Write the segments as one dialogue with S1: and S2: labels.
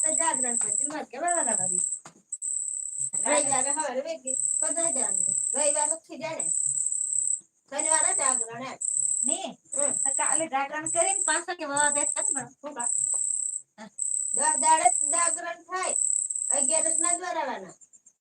S1: जागरण से मत के बड़ा भाभी रविवार हमारे बेगी पता जान रविवार थी जाने शनिवार जागरण है नहीं तो काले जागरण करीन 500 के बाद देखता नहीं बड़ा होगा 10 दाड़े जागरण થાય 11 ના દ્વારાવાના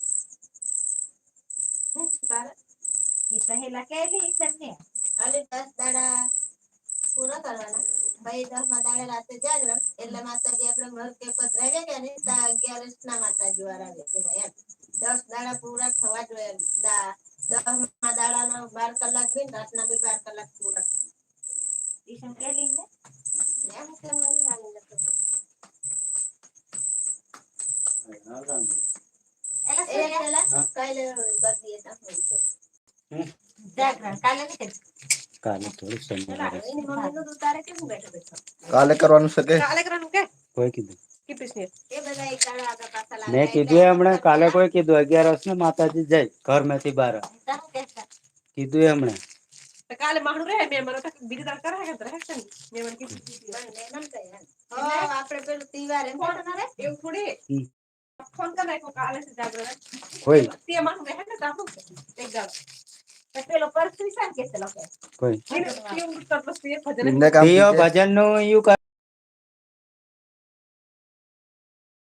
S1: હું છપાર ઈ પહેલા કેલી સમને અલે 10 દાડા પૂરા કરવાના ભાઈ 10 માં દાડે રાતે જાગરણ એટલે માતાજી આપણે ઘર કે પધરાવે કે ને 11 ના માતાજી વાળા કે એમ 10 દાડા પૂરા થવા જોઈએ 10 માં દાડાના 12 કલાક બી રાતના બી 12 કલાક પૂરા ઈ સમ કેલી ને એમ કેમ નહીં આવી જતો એલા કાલે કરી દઈએ તા જાગરણ કાલે નહીં
S2: કાલે થોડું શનિવારે
S1: એની મમ્મી નું તારે કેમ બેઠો બેઠો
S2: કાલે કરવાનું છે કે
S1: કાલે કરવાનું કે
S2: કોઈ કીધું
S1: કે પ્રશ્ન એ બધા એક કાળા આગળ પાછા લાગે
S2: મેં કીધું હમણાં કાલે કોઈ કીધું 11 ને માતાજી જાય ઘર માંથી બહાર કીધું હમણાં
S1: તો કાલે માણું રહે મે મને તો બીજી દાડ કરે કે રહે છે મે મને કીધું એમ કહે હો આપણે પેલું તહેવાર એમ ફોન કરે એવું થોડી ફોન કરે કો કાલે से जागरण
S2: કોઈ
S1: તે માણું રહે ને તાપુ એક ગાળ તો પેલો પરથી સાન કે છે લોકો
S2: કોઈ
S1: કેવું કરતો છે ભજન
S2: ભજન નું